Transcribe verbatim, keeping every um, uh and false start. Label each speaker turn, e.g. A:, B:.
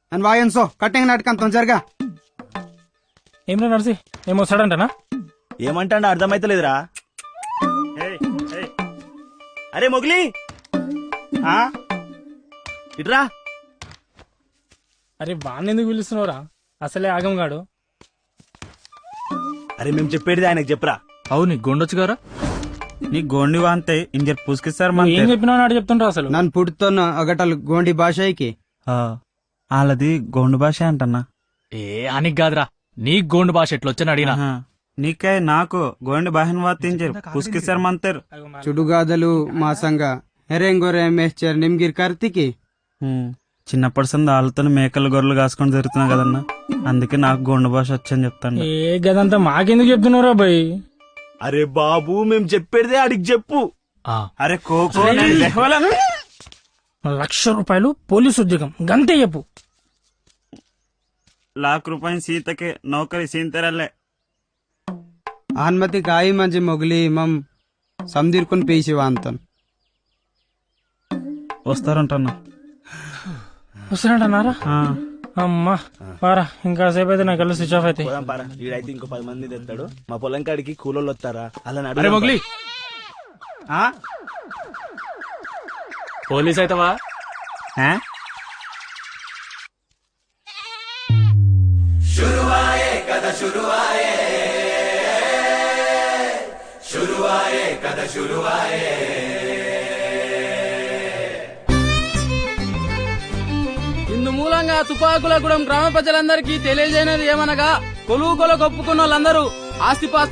A: అని వాయన్సో కట్టింగ్ నాటకంతో జరగా.
B: ఏమన్నా నడిసి ఏమొస్తాడంటనా?
C: ఏమంటాడు అర్థమైతలేదురా. అరే మొగిలి ఇట్రా.
B: అరే వాడిని ఎందుకు పిలుస్తున్నావురా? అసలే ఆగం గాడు.
C: అరే మేము చెప్పేది ఆయనకు చెప్పరా.
D: అవును గొండొచ్చు గారా
E: నీ గోండి వాంతే ఇంజర్ పూసుకిస్తారు
B: నువ్వు ఏం చెప్పినావు నాడు చెప్తుంటావు అసలు.
A: నన్ను పుడుతున్న అగటలు గోండి భాషకి
E: వాళ్ళది గోండు భాష అంటన్నా.
D: ఏ అనికి కాదురా నీ గోండు భాష ఎట్లొచ్చని అడిగినా.
E: నీకే నాకు గోండి భాషను వాతించారు పూసుకిస్తారు మంతారు.
A: చుడుగాదలు మా సంగ హెరెంగోరే మేస్చర్ నిమ్గిర్ కార్తికి.
E: చిన్నప్పటి సంది వాళ్ళతో మేకలు గొర్రెలు కాసుకొని జరుగుతున్నా కదన్నా, అందుకే నాకు గోండు భాష వచ్చని చెప్తాను.
B: ఏ గదంతా మాకెందుకు చెప్తున్నావురా బాయ్?
C: అరే బాబు మేము చెప్పేదే అడిగి చెప్పు.
E: అరే కోకో
B: లక్ష రూపాయలు పోలీసు ఉద్యోగం గంతే చెప్పు.
E: लाख रुपये सीत के नौकरी सीन तेरले
A: ఆన్మతి కాయి మంచి మొగిలి మమ్ సందీర్కొని పేసి వాంతన్
E: వస్తారంటన్నా.
B: వస్తారంటన్నారా? అమ్మా పారా ఇంకాసేపు అయితే నాకు స్విచ్ ఆఫ్ అయితే.
C: వీడైతే ఇంకో పది మంది తెస్తాడు. మా పొలం కాడికి కూలోళ్ళు వస్తారా అలా
D: అరే మొగ్లీ పోలీస్ అయితవా?
F: ఇందు మూలంగా తుపాకులగూడెం గ్రామ ప్రజలందరికీ తెలియజేయనది ఏమనగా కొలువు కొల ఒప్పుకున్న వాళ్ళందరూ ఆస్తిపాస్తి